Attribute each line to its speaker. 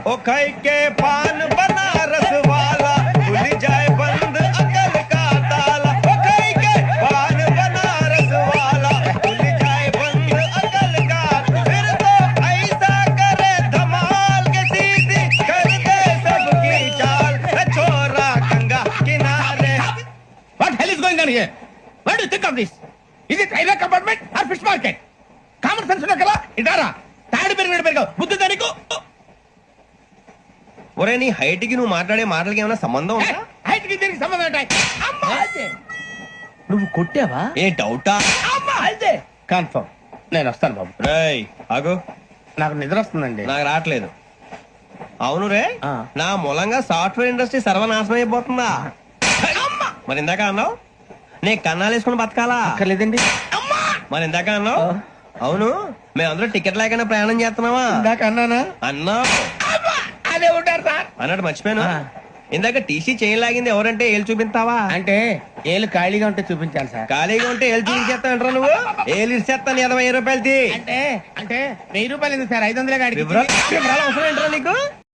Speaker 1: ओ खाई के पान बनारस वाला खुल जाए बंद अकल का ताला ओ खाई के पान बनारस वाला खुल जाए बंद अकल का फिर तो ऐसा करे धमाल के सीधी कर दे सबकी चाल छोरा गंगा किनारे
Speaker 2: What hell is going on here? What do you think of this? Is it railway compartment or fish market? Common sense ఉన్నా కదా ఇటారా తాడు పెరిగావు బుద్ధి దానికి
Speaker 1: ఒరే నీ హైట్ కి నువ్వు మాట్లాడే మాటలకి ఏమైనా సంబంధం ఉందా
Speaker 2: హైట్ కి దీనికి సంబంధం ఉంటాయి అమ్మా అయితే నువ్వు కొట్టావా
Speaker 1: ఏ డౌటా
Speaker 2: అమ్మా అయితే కన్ఫర్మ్ నేను వస్తాను బాబు
Speaker 1: రేయ్ ఆగు
Speaker 2: నాకు నిద్ర వస్తుందండి
Speaker 1: నాకు రావట్లేదు అవును రే
Speaker 2: ఆ.
Speaker 1: నా మూలంగా సాఫ్ట్వేర్ ఇండస్ట్రీ సర్వనాశనం అయిపోతుందా
Speaker 2: అమ్మా
Speaker 1: మరి ఇందాక అన్నావు నే కన్నాలు వేసుకుని బతకాలా
Speaker 2: అక్కర్లేదండి అమ్మా
Speaker 1: మరి ఇందాక అన్నావు అవును మేమందరూ టికెట్ లేకుండా ప్రయాణం చేస్తున్నావా
Speaker 2: ఇందాక అన్నానా
Speaker 1: అన్నావు
Speaker 2: అమ్మా అదే ఉంటారు సార్
Speaker 1: అన్నట్టు మర్చిపోయాను
Speaker 2: ఆ.
Speaker 1: ఇందాక టీసీ చేయలాగింది ఎవరంటే ఏళ్ళు చూపిస్తావా
Speaker 2: అంటే ఏళ్ళు ఖాళీగా ఉంటే చూపించాలి సార్
Speaker 1: ఖాళీగా ఉంటే ఏళ్ళు చూపించేస్తానంటారా నువ్వు ఏళ్ళు ఇచ్చేస్తాను 20,000 రూపాయలది
Speaker 2: అంటే అంటే 1000 రూపాయలు ఎందుకు సార్ 500
Speaker 1: వివరాలు అవసరం ఏంట్రా నీకు